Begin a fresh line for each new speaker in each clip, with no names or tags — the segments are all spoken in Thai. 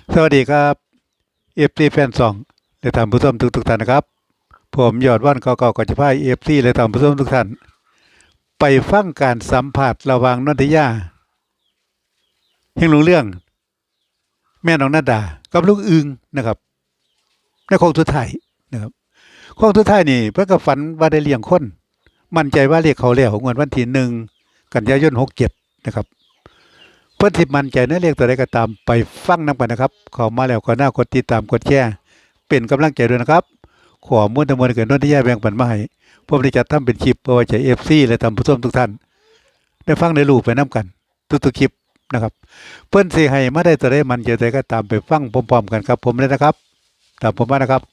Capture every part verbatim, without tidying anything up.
สวัสดีครับเอฟซีแฟนซองและท่านผู้ชมทุกทุกท่านนะครับผมยอดว่านเก่าๆก็จะพาเอฟซีและท่านผู้ชมทุกท่านไปฟังการสัมผัสระหว่างนนทิยาเฮงหลงเรื่องแม่น้องนาดากับลูกอึงนะครับในโค้งสุดท้ายนะครับโค้งสุดท้ายนี่เพื่อกับฝันว่าได้เลี้ยงคนมั่นใจว่าเรียกเขาแล้วงวดวันที่หนึ่งกันยายนหกเจ็ดนะครับเพื่อนที่มั่นใจในเรียกตัวใดก็ตามไปฟังนำกันนะครับเข้ามาแล้วก็น่ากดติดตามกดแชร์เป็นกำลังใจด้วยนะครับขอมุ่นทั้งมวลเกิดนนทิยาแบ่งปันมาให้ผมได้จัดทำเป็นคลิปเพื่อไว้ใช้เอฟซีและท่านผู้ชมทุกท่านได้ฟังได้รู้ไปน้ำกันทุกๆคลิปนะครับเพื่อนสิให้มาได้ตัวใดมันจะได้ก็ตามไปฟังพร้อมๆกันครับผมเลยนะครับตามผมมานะครับ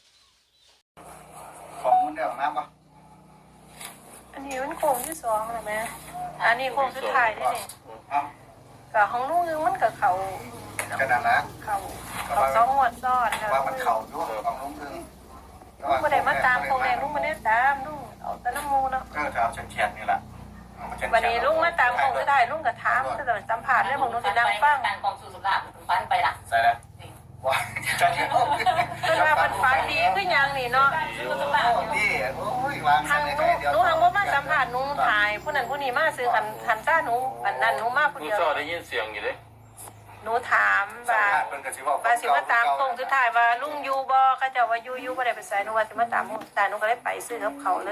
ของมันได้ออกน้ำปะ
อันนี้มันโค้งที่สองแล้วไหมอันนี้โค้งสุดท้ายนี่นี่
เอ้า
กับของลูกนึงมันกับเขา
กระดานละ
เขาเขาสองหมวดซ้อนค่ะ
ว่ามันเข่าด้วยของลุงพึ่ง
ลูกไม่ได้มาตามโค้งแดงลูกไม่ได้ตามลูกเอาแต่น้ำมูเนาะ
ก็จะเอาเฉียดๆนี่แหละ
วันนี้ลูกมาตามโค้งสุดท้ายลูกกับถามก็จะสัมผัสเรื่องของลูกจะดังฟัง
การกองสู่สุราษฎร์ฟันไปละ
ใส่แล้วว่าจะที่ออก
เพื่อนว่ามันฝันดีขึ้นยังนี่เนาะ
นี่โอ้ยวาง
ทาง
ใน
หนู
ใจเดียว
หนูทางว่ามาสัมผัสหนูถ่ายผู้นั้นผู้นี้มาซื้อขันขันซ่าหนูอันนั้นหนูมาผู้
ลูก
เดียว
ซอได้ยินเสียงอยู่เลย
หนูถาม
สัม
ว่า
ผัสเป็นกระชิบว่า
ว่าสิมาตามโค้งสุดท้ายว่าลุงยูบ่เขาเจะว่ายูยูบ่ได้ไปใส่หนูว่าสิมาตามโค้งสุดท้ายหนูก็เลยไปซื้อกับเขาเลย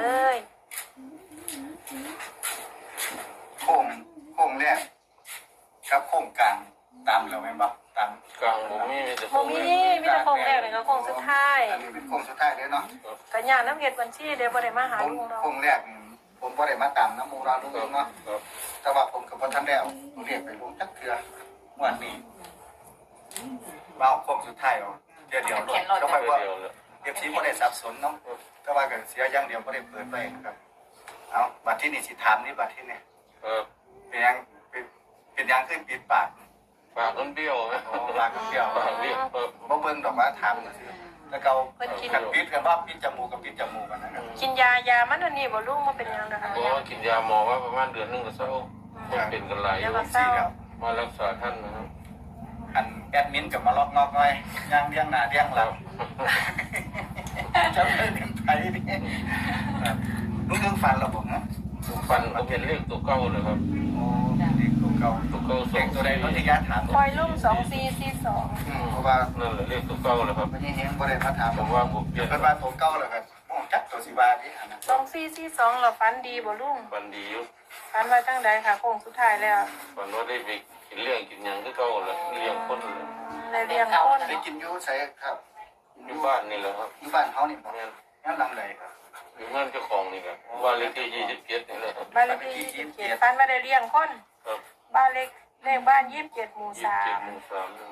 โค้งโค้งแรกครับโค้งกลางตามเราไหมบ้างตาม
กลางผมมีมีแต่
โมมีมีแต่โค้งแรกเลยก็โค้งสุดท้าย
อันนี้เป็นโค้งสุดท้ายเลยเนาะ
ก็ย่างน้ำเห็ดบัญชีเดี๋ยวบ่ได้มาหา
ผม
ลุงเรา
โค้งแรกผมก็ได้มาตามน้ำมูราลุงเนาะ
ครับ
แต่ว่าผมกับพ่อท่านแล้วเรียกไปลุงจักเถื่อวันนี้มาเอาโค้งสุดท้ายเอาเดี๋ยวเดี๋ยวก็ไป
เดียว
ว่า
เดียวเลย
เอฟซีไม่ได้สับสนเนาะแต่ว่าก็เสียอย่างเดียวไม่ได้เปิดไปครับเอาบัตรที่นี่สิถามนี่บัตรที่นี่
เออ
เป็นยังเป็นเป็นยังขึ้นปิดปาก
ปากมันเบี้ยวไหม
โอ้ปากเดียว
ปากเบี้ยวเออ
บ่เบิ่งดอกว่าถามน่ะสิแล้วก็กันปิดกันว่าปิดจมูกกับปิดจมูกกันนะครับ
กินยายามันอันนี้บ่ลุงมาเป็นยังนะคะ
บอกว่ากินยาหมอว่าประมาณเดือนหนึงก็เศร้าคนเป็นกันหลายอยู่
สี่แล้ว
มารักษาท่านนะครับ
อันแอดมินกับมาล็อกนอกหน่อยย่างเลี้ยงหน้าเลี้ยงหลังจะเป็นไปนี่ลุงเรื่องฟันเราบอกนะ
ฟันก็เป็นเลขตัวเก้าเลยครับ
โอ้เด็กตัวเก่า
ตัวเก้าส
เด็
อก ง
ตัวใดรถที่ยาถาม
ปล่อยลุงสองสี่สี่สอง
เพราะว่า
นั่นแหละเลขตัวเก้าเลยครับ
ไม่ใช่เฮงบ่ได้มาถาม
ผมว่าผมเปลี่ยน
เป็นว่าตัวเก่าเลยครับมองจักตัวสิบาทนี่อันนั้น
สองสี่สี่สองเราฟันดีบ่ลุง
ฟันดีอยู่
ฟันไว้ตั้งใดค่ะโค้งสุดท้ายแล้ว
ฟันว่าได้ไปกินเลี้ยงกินหยังก็เก้าเลยเลี้ยงคนเลย
ในเรียงต้น
ได้กินอยู่ใส่ครับ
อยู่บ้านนี่แหละครับ
อยู่บ้านเขานี่บ่
แม่น
งั้นหลังไหนครับ
อยู่บ้านเจ้าของนี่แหละบ้านเลขที่ยี่สิบเจ็ดนี่แหละครับ
บ้านเลขที่ยี่สิบเจ็ดฟันไม่ได้เลี้ยงคน
ครับ
บ้านเล็กเลขบ้านยี่สิบเจ็ดหมู่
ยี่สิบ
สา
เจ็ด
ม
หมู่สามนี่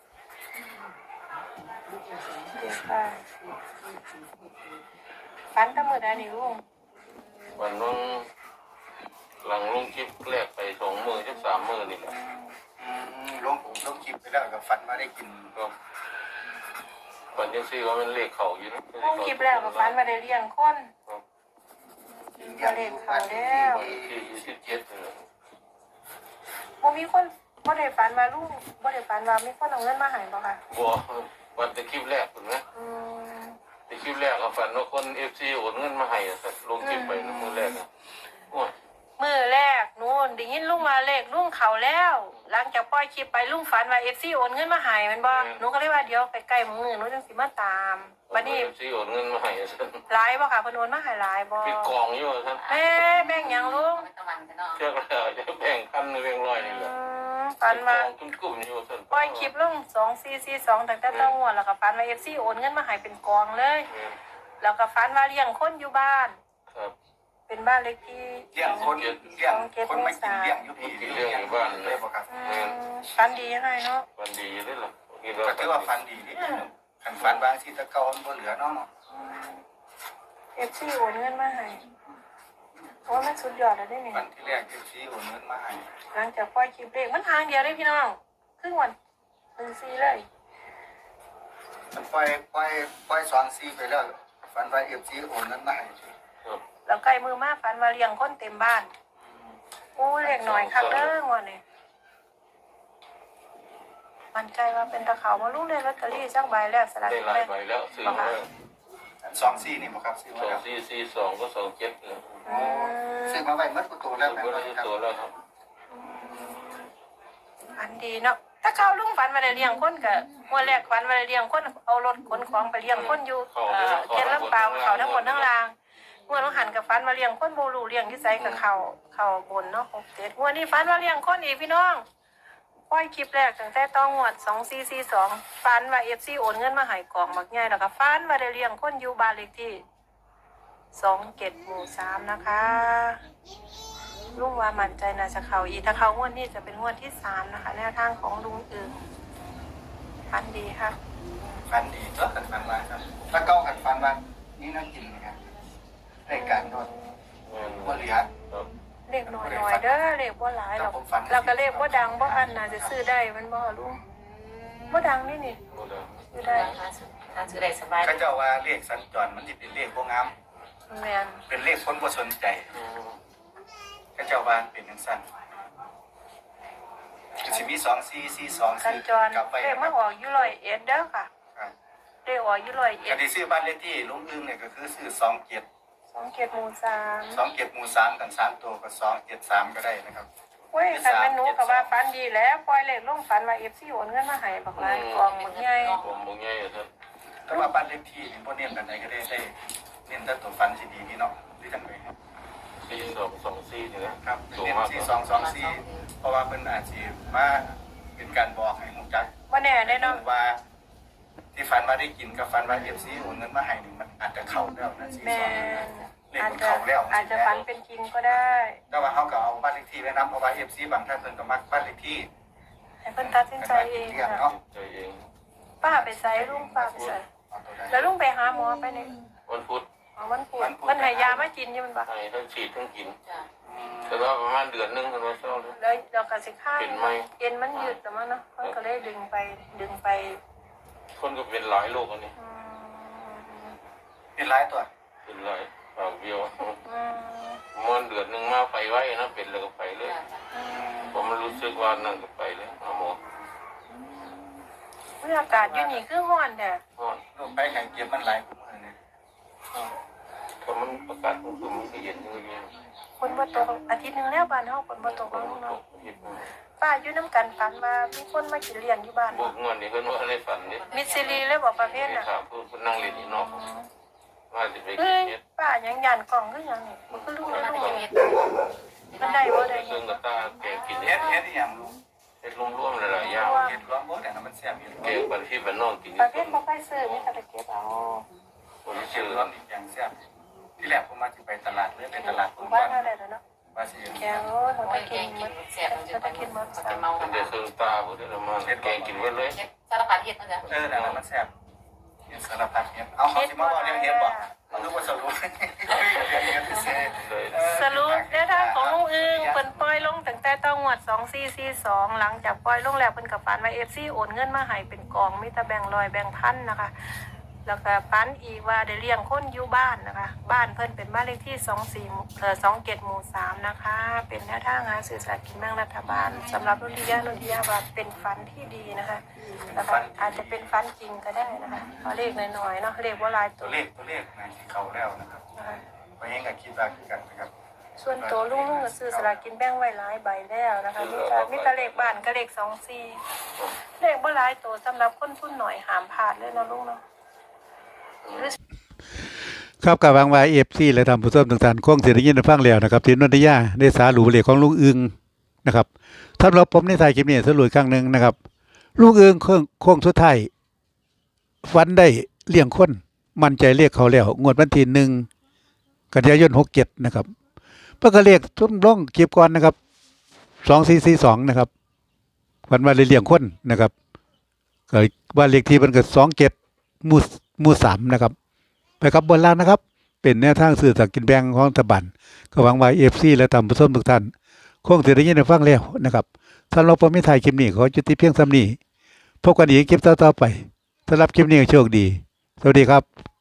เจ็ดค่ะฟันตั้งมือได้นี่ลุง
วันนั้นหลังลงคลิปแรกไปสองมือจักสามมือนี่แหละ
อืมลงลงคลิปไปแล้วก็ฝันมาได้กิน
ก็ฝันยังซี่ว่ามันเลขเข่าอยู่นะ
ลุงคลิปแล้วก็ฟันไม่ได้เลี้ยงคน
ครับ
ก็เลขเขาแล้ว
ที่ยี่สิบเจ็ดนี่แหละ
บ่มีคนบ่ได้ฝันว่าลุงบ่ได้ฝันว่ามีคนเอาเงินมาให้บ่ค่ะ
บัววันแต่คลิปแรกถูกไหม
อืม
แต่คลิปแรกก็ฝันว่าคนเอฟซีโอนเงินมาให้อะแต่ลงคลิปไปนะมือแรกอะโอ้ย
มือแรกหนูได้ยินลุงมาเลขลุงเขาแล้ว หลังจากปล่อยคลิปไปลุงฝันว่า เอฟ ซี โอนเงินมาให้แมันบ่หนูก็เลยว่าเดี๋ยวใกล้ๆมื้อหนูจังสิมาตามบัดนี้
เอฟซีโอนเงินมาให้อะท่าน
หลายบ่ค่ะเพิ่นโอนมาให้หลายบ่
ปิดกองอยู่ท่าน
แม่แบ่งหยังลุง
ตะวันกันเนาะ
เชื่อแล้วจะแบ่งพันหรือแบ่งร้อยนี่แห
อื
ละ
มฝันว่า
กองกลุ่มๆอยู่ท่าน
ปล่อยคลิปลงสองสี่สี่สองตั้งแต่ต้นงวดแล้วก็ฝันว่า เอฟ ซี โอนเงินมาให้เป็นกองเลย แล้วก็ฝันว่าเลี้ยงคนอยู่บ้าน
ครับ
เป็นบ้านเล็กที่
เลี้ยงคนเลี้ยงคนไม่กินเลี้ยงอยู่พี่เลี้ยงอยู่บ้านเลยบ่ครับ
อืมฝันดียังไงเนาะ
วันดีเลยล่ะ
ก็ถือว่าฟันดีนี่ขันฟันบางทีตะเกามันบ่เหลือเนาะ
เอฟซีโอนเงินมาให้โอ้ยมันสุดยอดแล้วได้เนี่ย
ฟันที่แรกที่ชี้โอนเงินมาให้
หลังจากปล่อยคลิปเลขมันทางเดียวเลยพี่น้องครึ่งวันหนึ่งซีเลย
มันปล่อยปล่อยปล่อยสองซีไปแล้วฟันไว้เอฟซีโอนเงินมาให้
ครับ
แล้วใกล้มือมาฝันว่าเลี้ยงคนเต็มบ้านโอ้ยเล็กหน่อยครับเด้องวันนี้มันใจว่าเป็นตะเขามาลุงได้ลอตเตอรี่สักใบแล้วสลาก
ได้
กิน
หลาย
แบ่ง
ใบแล้วซื้อมาแล้ว
สองซี่นี่บ่ครับซื้อ
ส
มา
อง
แล้ว
สี่สี่สองก็สองเจ็ดเนี่ย
อืม
ซื้อมาไว้เมื่อกูโตแล้ว
ซื้อ
แม่
มาได้
ครับ
ตัวแล้วครับ
อันดีเนาะถ้าเขาลุงฝันมาได้เลี้ยงคนก็งวดแรกฝันมาได้เลี้ยงคนเอารถขนของไปเลี้ยงคนอยู่เอ่อเขตลำปางเขาทั้งหมดทั้งรางงวดต้องหันกับฝันมาเลี้ยงคนโบลูเลี้ยงที่ไสกับเขาเขาบนเนาะหกเจ็ดงวดนี้ฝันมาเลี้ยงคนอีกพี่น้องปล่อยคลิปแรกตั้งแต่ต้องงวดสองสี่สี่สองฝันว่าเอฟซีโอนเงินมาใหายกล่องบักใหญ่แล้วก็ฝันมาได้เลี้ยงคนอยู่บ้านเลขที่สองเจ็ดหมู่สามนะคะลุงว่ามั่นใจนะจะเขาอีกถ้าเขางวดนี้จะเป็นงวดที่สามนะคะแนวทางของลุงอื่นฝันดีค่ะ
ฟันดีก็ขันฟันมาครับแล้วก็ขันฟันมานี่น่ากินนะครับรายการโดนว่าเหลือ
ครับ
เลขน้อยๆเด้อเลขบ่หลายหรอกเราก็เลขบ่ดังบ่อันน่าจะซื้อได้มันบ่ลุงบ่ดังนี่นี่
หมดแล้ว
ซื้อได้
ทานซื้อได้สบาย
เขาเจ้าว่าเลขสัญจรมันจะเป็นเลขพวกงาม
แม่น
เป็นเลขคนบ่สนใจ
อืม
เขาเจ้าว่าเป็นจังซั่นก็สิมีสองสี่สี่สอง
สัญ
ซื้อ
จร
กลับไป
เลขมาออกอยู่ร้อยเอ็ดเด้อค่ะ
ครับ
เลขออกอยู่ร้อยเอ็
ก็
ด
ที่ซื้อบ้านเลขที่ลุงอึ้งเนี่ยก็คือซื้อสองเจ็ด
สองเจ็ดหมู่สาม
สองเจ็ดหมู่สามกันสามตัวก็สองเจ็ดสามก็ได้นะครับ
เว้ยคันแม่นหนูก็ว่าฝันดีแล้วปล่อยเลขลงฝันว่า เอฟ ซี โอนเงินมาให้บักหลายกองบักใหญ่
ผมบอกง่ายๆครับ
แต่ว่าบ้านเลขที่นี่พวกเน้นกันไหนก็ได้ได้เน้นแต่ตัวฟันสิดีนี่เนาะที่จังเลย
สี่สองสองสี่นี่นะครับ สูง
เน้น
มาก
สี่สองสองสี่เพราะว่าเป็นอาชีพมาเป็นการบอกให้มุกจัก
บ่แน่ได้เนาะ
ว่าที่ฟันมาได้กินกับฟันว่าเอฟซีโอนเงินมาให้นี่มันอาจจะเข้าแล้วนะสี่
แม่
สอง
น
เลข
อาจ
มัน
จะ
เข้าแล้ว
อาจจะฝันเป็นจริงก็ได้
แต่ว่าเขาก็เอาบ้านเลขที่ไว้นํเพราะว่าเอฟซีบางท่านเพิ่นก็มักบ้านเลขที่
ให้เพิ่นตัดสินใจเอง
เรียก
นะ
เนาะ
ใจเอง
ป้าไปใส่ลุงป้าไปใส่
เอาตัวใด
แล้วลุงไปหาหมอไปเนี่ย
วันพุธ
อ๋อมันปวดมันให้ยามากินอยู่มันบ่
ให้ทั้งฉีดทั้งกิน
จ้ะ
แต่ว่าประมาณเดือนหนึงกันว่าเศร้าเลย
แล้วเราก็สิข้าง
เป็นไหม
เอ็นมันยืดแต่มันเนาะมันก็เลยดึงไปดึงไป
คนก็เป็นหลายโรคอันนี้
อืม
เป็นหลายตัว
เป็นหลายปากเบี้ยว
อืม
มันเดือนหนึ่งมาไปไว้นะเป็นแล้วก็ไปเลย
จ้ะจ้ะ
อืม
ผมมันรู้สึกว่านั่นก็ไปเลยหาหมอ
เมื่ออากาศอยู่นี่คือร้อนแท้
เพราะ
ลงไปแข่งเก็บมันหลายกว่าเนี่ย
ถ้ามันประกาศมันคือมันก็เย็นอย่างเงี้ย
ฝนบ่ตกอาทิตย์หนึงแล้วบ้านเฮาฝนบ่ตก
มั
แล้ว
น
เนาะ
ตกเย็น
ป้าอยู่น้ำกันฝันว่ามีคนมากินเลี้ยงอยู่บ้าน
บวกเงินนี่เพิ่นว่าในฝันนี่
มิสซิลีเลยบอกประเภท
ไป
น่ะ
ถามเพิ่นนั่งเล่นนี่เนาะว่าสิไป
เฮ้
กิน
ย
เฮ็ด
ป้ายังยันกล่องคือหยังนี่มันคือลูก
มัน
ลู
ไม่
ก
ได้เฮ็ด
มันได้บ่ได้
เครื่องกระตาแกงกิน
เฮ็
เฮ็
ด
ด
เฮ็ดอีหยังลูก
เฮ็ดรวมๆหลายๆอย่าง
เฮ็ดร้องโอ้แต่น้ำมันแซ่บอยู่
แกงบันที่บ้านนอกกิน
ประเภทบ่ค่อยซื้อมีแต่ไปเก็บเอา
คน
เฮ็ด
ชื่อ
ร้องอีกอย่างแซ่บที่แรกผมมาสิไปตลาดเลยไปตลาด
ห
ผม
มู่
บ้า
บ้าน นเฮาได้แล้วเนาะ
ว่าสิ
แกงโอ้ยมัน
โอ้
ไป
ยแก
กิน
งกิ
มัน น
แซ่บมันจะไปกินมันจะเมา
เป็นได้เครื่องตาบ่ได้ละมันแกงกินไว้เลย
เฮ็ดสารพัดเฮ็ดนะจ๊ะ
เออแต่น้ำมันแซ่บเฮ็ดสารพัดเฮ็ดเอาเขาสิมาบอกเรื่องเฮ็ดบ่มันรู้ว่าสรุปเฮ็ดเซ่
เลย
สรุปแนวทางของลุงอึงเพิ่นปล่อยลงตั้งแต่ต้องงวดสองสี่สี่สองหลังจากปล่อยลงแล้วเพิ่นก็ฝันว่า เอฟ ซี โอนเงินมาให้เป็นกองมีแต่แบ่งร้อยแบ่งพันนะคะ แล้วก็ฝันอีกว่าได้เลี้ยงคนอยู่บ้านนะคะ บ้านเพิ่นเป็นบ้านเลขที่สองสี่เอ่อสองเจ็ดหมู่สามนะคะ เป็นแนวทางหาซื้อสลากกินแบ่งรัฐบาลสำหรับรุ่นที่ยารุ่นที่ยาว่าเป็นฝันที่ดีนะคะแล้วก็อาจจะเป็นฝันจริงก็ได้นะคะเพราะเลขน้อยๆเนาะเลขว่าหลายตั
ตัว วเลขตัวเลขนะที่เขาแล้วนะครับ
นะคะ
เพราะงั้นก็คิดว่าคือกันนะครับ
ส่วนตัวลุงลุงก็ซื้อสลากกินแบ่งไว้หลายใบแล้วนะคะมีแต่มีแต่เลขบ้านก็เลขสองสี่เลขบ่หลายตัวสำหรับคนทุนหน่อยห้ามพลาดเลยเนาะลุงเนาะ
ครับกับวางวายเอฟซีและทำผู้ชมต่างๆคงเสียงยินได้ฟังแล้วนะครับที่นนทยาได้สาหรูเหล็กของลุงอึงนะครับถ้าเราผมในถ่ายคลิปนี้สรุปอีกครั้งหนึ่งนะครับลุงอึงโค้งโค้งสุดท้ายฟันได้เลี้ยงคนมั่นใจเรียกเขาแล้วงวดวันที่หนึ่งกันยายนหกเจ็ดนะครับเพื่อก็เรียกทุ่มล่องเก็บก่อนนะครับสองสี่สี่สองนะครับฟันว่าได้เลี้ยงคนนะครับก็ว่าเลขที่มันก็สองเจ็ดมูมูสามนะครับไปกับบนล่างนะครับเป็นแนวทางสื่อสลากกินแบ่งของรัฐบาลก็หวังว่าเอฟซีและทำผู้ชมทุกท่านคงจะได้ยินได้ฟังแล้วนะครับสำหรับผมไม่ถ่ายคลิปนี้ขอจุดที่เพียงซ้ำนี้พบกันอีกคลิปต่อๆไปสำหรับคลิปนี้โชคดีสวัสดีครับ